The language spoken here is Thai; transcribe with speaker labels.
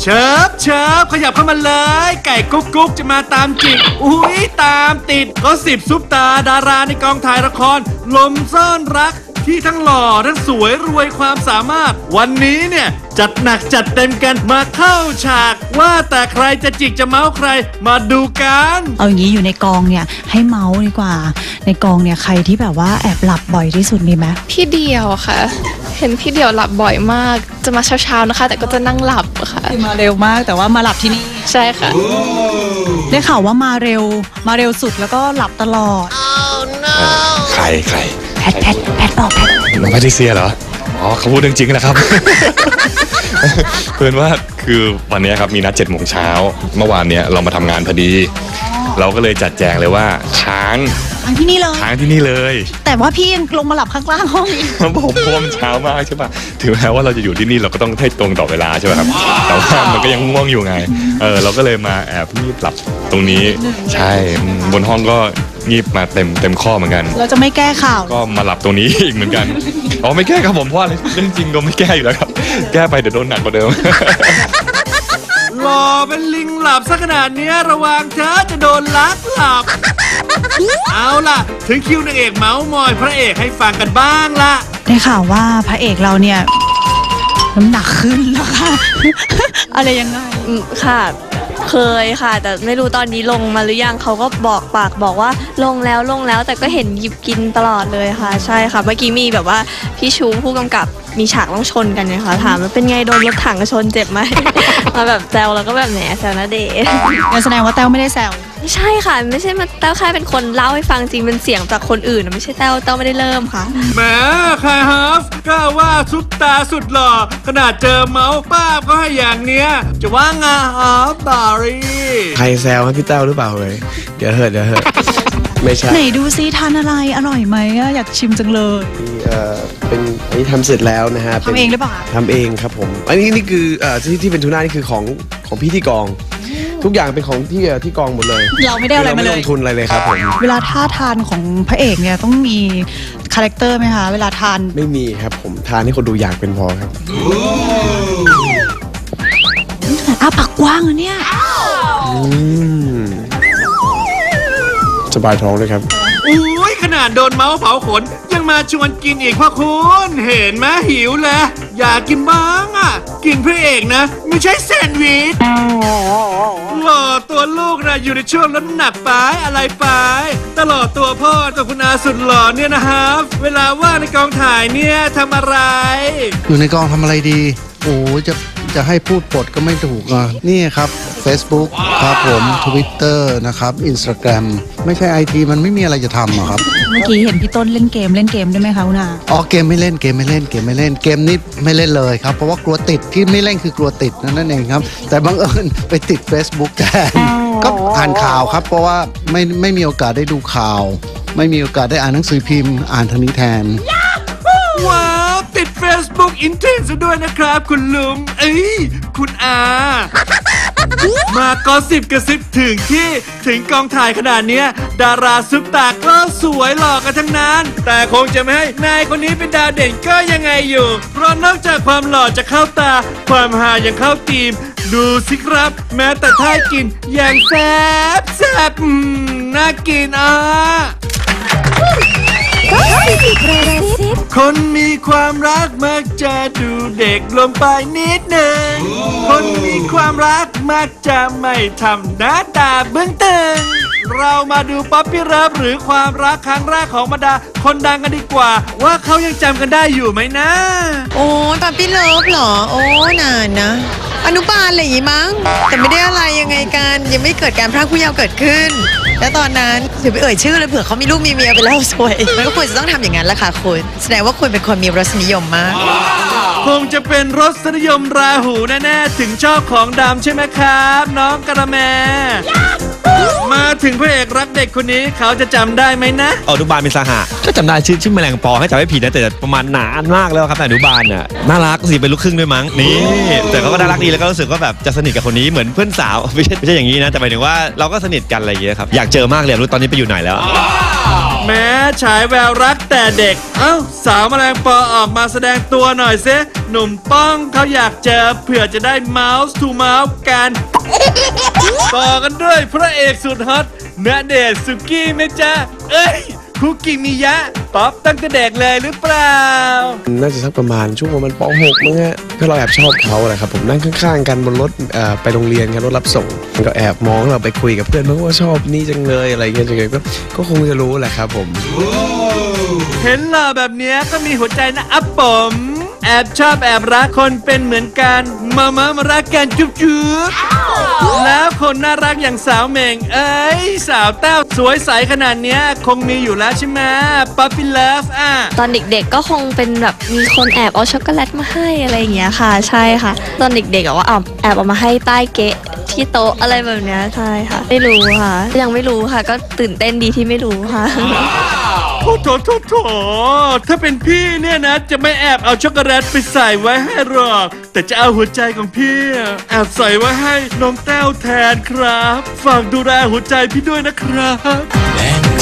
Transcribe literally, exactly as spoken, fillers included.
Speaker 1: เชิบเชิบขยับเข้ามาเลยไก่กุ๊กกุ๊กจะมาตามจิกอุ้ยตามติดก็สิบซุปตาดาราในกองถ่ายละครลมซ่อนรักที่ทั้งหล่อทั้งสวยรวยความสามารถวันนี้เนี่ยจัดหนักจัดเต็มกันมาเข้าฉากว่าแต่ใครจะจิกจะเมาใครมาดูกัน
Speaker 2: เอาอย่างนี้อยู่ในกองเนี่ยให้เมาดีกว่าในกองเนี่ยใครที่แบบว่าแอบหลับบ่อยที่สุดมีไหม
Speaker 3: พี่เดียวค่ะเห็นพี่เดียวหลับบ่อยมากจะมาเช้าๆนะคะแต่ก็จะนั่งหลับค่ะ
Speaker 2: มาเร็วมากแต่ว่ามาหลับที่นี่
Speaker 3: ใช่ค่ะ
Speaker 2: ได้ข่าวว่ามาเร็วมาเร็วสุดแล้วก็หลับตลอด
Speaker 4: oh, no. ใครใคร
Speaker 2: แพทแพทแพทบอกแพท
Speaker 4: น้องแพทริเซียเหรออ๋อเขาพูดเรื่องจริงนะครับ เพื่อนว่าคือวันนี้ครับมีนัดเจ็ดโมงเช้าเมื่อวานเนี้ยเรามาทำงานพอดีเราก็เลยจัดแจงเลยว่าค้าง
Speaker 2: ค้างที่นี่เลย
Speaker 4: ค้างที่นี่เลย
Speaker 2: แต่ว่าพี่ยังลงมาหลับข้างล่างห้องอีก
Speaker 4: ผมพวมเช้ามากใช่ป่ะถึงแม้ว่าเราจะอยู่ที่นี่เราก็ต้องให้ตรงต่อเวลาใช่ป่ะครับแต่ว่ามันก็ยังง่วงอยู่ไงเออเราก็เลยมาแอบงีบหลับตรงนี้ใช่บนห้องก็งีบมาเต็มเต็มข้อเหมือนกัน
Speaker 2: เราจะไม่แก้ข่าว
Speaker 4: ก็มาหลับตรงนี้อีกเหมือนกันอ๋อไม่แก้ครับผมเพราะอะไรเรื่องจริงก็ไม่แก้อยู่แล้วครับแก้ไปเดี๋ยวโดนหนักกว่าเดิม
Speaker 1: หล่อเป็นลิงหลับซะขนาดนี้ระวังเธอจะโดนลักหลับเอาล่ะถึงคิวนางเอกเมาส์มอยพระเอกให้ฟังกันบ้างละ
Speaker 2: ได้ข่าวว่าพระเอกเราเนี่ยน้ำหนักขึ้นแล้วค่ะ อะไรยังไง
Speaker 3: ค่ะเคยค่ะแต่ไม่รู้ตอนนี้ลงมาหรือยังเขาก็บอกปากบอกว่าลงแล้วลงแล้วแต่ก็เห็นหยิบกินตลอดเลยค่ะใช่ค่ะเมื่อกี้มีแบบว่าพี่ชูผู้กำกับมีฉากต้องชนกันเนี่ยค่ะถามว่าเป็นไงโดนรถถังชนเจ็บไหม มาแบบแซวแล้วก็แบบแหนแซวนะเด๋
Speaker 2: แสดงว่าแต้วไม่ได้แซว
Speaker 3: ไม่ใช่ค่ะไม่ใช่มาแต้วแค่เป็นคนเล่าให้ฟังจริงเป็นเสียงจากคนอื่นไม่ใช่แต้วแต้วไม่ได้เริ่มค่ะ
Speaker 1: แหมใครฮาฟกล้าว่าซุปตาสุดหล่อขนาดเจอเมาส์ป้าก็ให้อย่างเนี้ยจะว่างาฮาฟบารี
Speaker 5: ใครแซวให้พี่แต้วหรือเปล่าเลยเดี๋ยวเหิดเดี๋ยวเหิดไม่ใช่
Speaker 2: ไหนดูซิทานอะไรอร่อยไหมอยากชิมจังเลย
Speaker 5: เอ่อเป็นอันนี้ทำเสร็จแล้วนะฮะ
Speaker 2: ทำเองหรือเปล่า
Speaker 5: ทำเองครับผมอันนี้นี่คือเอ่อที่ที่เป็นทูน่านี่คือของของพี่ที่กองทุกอย่างเป็นของที่ที่กองหมดเลย
Speaker 2: เราไม่ได้อะไรมาเลย
Speaker 5: ไม่ลงทุนอะไรเลยครับผม
Speaker 2: เวลาท่าทานของพระเอกเนี่ยต้องมีคาแรคเตอร์ไหมคะเวลาทาน
Speaker 5: ไม่มีครับผมทานให้คนดูอยากเป็นพอครับ
Speaker 2: อ้าปากกว้างอะเนี่ย
Speaker 5: สบายท้องเลยครับ
Speaker 1: อุ้ยขนาดโดนเมาส์เผาขนยังมาชวนกินอีกพ่อคุณเห็นไหมหิวแล้วอยากกินบ้างอ่ะกินพระเอกนะไม่ใช่แซนด์วิชหล่อตัวลูกนะอยู่ในช่วงลดน้ำหนักไปอะไรไปตลอดตัวพ่อตัวคุณอาสุดหล่อเนี่ยนะฮะเวลาว่างในกองถ่ายเนี่ยทำอะไร
Speaker 6: อยู่ในกองทำอะไรดีโอ้จะจะให้พูดปดก็ไม่ถูกอ่ะนี่ครับ Facebook ครับผม Twitter นะครับ Instagram ไม่ใช่ ไอ ที มันไม่มีอะไรจะทำอะครับ
Speaker 2: เมื่อกี้เห็นพี่ต้นเล่นเกมเล่นเกมได้ไหมคะคุณอา
Speaker 6: อ๋อเกมไม่เล่นเกมไม่เล่นเกมไม่เล่นเกมนี้ไม่เล่นเลยครับเพราะว่ากลัวติดที่ไม่เล่นคือกลัวติดนั่นเองครับแต่บังเอิญไปติด Facebook แทนก็อ่านข่าวครับเพราะว่าไม่ไม่มีโอกาสได้ดูข่าวไม่มีโอกาสได้อ่านหนังสือพิมพ์อ่านทางนี้แทน
Speaker 1: ว้าวติด Facebook อินเทนซ์ด้วยนะครับคุณลุงเอ้ยคุณอามาก็สิบกระซิบถึงที่ถึงกองถ่ายขนาดเนี้ยดาราซุปตาก็สวยหล่อกันทั้งนั้นแต่คงจะไม่ให้นายคนนี้เป็นดาวเด่นก็ยังไงอยู่เพราะนอกจากความหล่อจะเข้าตาความฮายังเข้าทีมดูสิครับแม้แต่ท่ากินอย่างแซ่บแซ่บน่ากินอ่ะคนมีความรักมักจะดูเด็กลงไปนิดหนึ่งคนมีความรักมักจะไม่ทำหน้าตาเบื้องตึงเรามาดูป๊อปปี้เลิฟหรือความรักครั้งแรกของบรรดาคนดังกันดีกว่าว่าเขายังจำกันได้อยู่ไหมนะ
Speaker 7: โอ้ป๊อปปี้เลิฟเหรอโอ้นานนะอนุบาลอะไรอย่างงี้มั้งแต่ไม่ได้อะไรยังไงกันยังไม่เกิดการพรากผู้เยาว์เกิดขึ้นแล้วตอนนั้นถือไปเอ่ยชื่อเลยเผื่อเขามีลูกมีเมียไปแล้วสวยมันก็ควรจะต้องทำอย่างนั้นแหละค่ะคุณแสดงว่าคุณเป็นคนมีรสนิยมมาก
Speaker 1: คงจะเป็นรสนิยมราหูแน่ๆถึงชอบของดำใช่ไหมครับน้องกระแมมาถึงพระเอกรักเด็กคนนี้เขาจะจำได้ไหมนะ
Speaker 8: อนุบาลเป็นสหะก็จำได้ชื่อชื่อแมลงปอให้จำไม่ผิดนะแต่ประมาณนานมากแล้วครับแต่อนุบาลน่ะน่ารักสิเป็นลูกครึ่งด้วยมั้งนี่แต่เขาก็น่ารักดีแล้วก็รู้สึกว่าแบบจะสนิทกับคนนี้เหมือนเพื่อนสาวไม่ใช่ไม่ใช่อย่างนี้นะแต่หมายถึงว่าเราก็สนิทกันอะไรอย่างเงี้ยครับอยากเจอมากเลยรู้ตอนนี้ไปอยู่ไหนแล้ว
Speaker 1: แม้ฉายแววรักแต่เด็กเอ้าสาวแมลงปอออกมาแสดงตัวหน่อยซิหนุ่มป้องเขาอยากเจอเผื่อจะได้เมาส์ทูเมาส์กันต่อกันด้วยพระเอกสุดฮอตณเดชน์สุกี้ไหมจ๊ะเอ้ยคุกกี้มิยะป๊อปตั้งแต่เด็กเลยหรือเปล่า
Speaker 5: น่าจะสักประมาณช่วงประมาณป .หก มั้งฮะก็เราแอบชอบเขาแหละครับผมนั่งข้างๆกันบนรถเอ่อไปโรงเรียนกันรถรับส่งก็แอบมองเราไปคุยกับเพื่อนมั้งว่าชอบนี่จังเลยอะไรเงี้ยจังเลยก็ก็คงจะรู้แหละครับผม
Speaker 1: เห็นหล่อแบบเนี้ยก็มีหัวใจนะอัปผมแอบชอบแอบรักคนเป็นเหมือนกันมามามารักกันจุ๊บจุ๊บแล้วคนน่ารักอย่างสาวเหม่งเอ้ยสาวเต้าสวยใสขนาดเนี้ยคงมีอยู่แล้วใช่ไหมป๊อปปี้เลิฟอ่ะ
Speaker 3: ตอนเด็กๆก็คงเป็นแบบมีคนแอบเอาช็อกโกแลตมาให้อะไรอย่างเงี้ยค่ะ ใช่ค่ะ ตอนเด็กๆอะว่าเอาแอบเอามาให้ใต้เกะที่โต๊ะอะไรแบบเนี้ยใช่ค่ะ ไม่รู้ค่ะ ยังไม่รู้ค่ะ ก็ตื่นเต้นดีที่ไม่รู้ค่ะ
Speaker 1: โอ้โถโถโถถ้าเป็นพี่เนี่ยนะจะไม่แอบเอาช็อกโกแลตไปใส่ไว้ให้หรอกแต่จะเอาหัวใจของพี่แอบใส่ไว้ให้น้องแต้วแทนครับฝากดูแลหัวใจพี่ด้วยนะครับ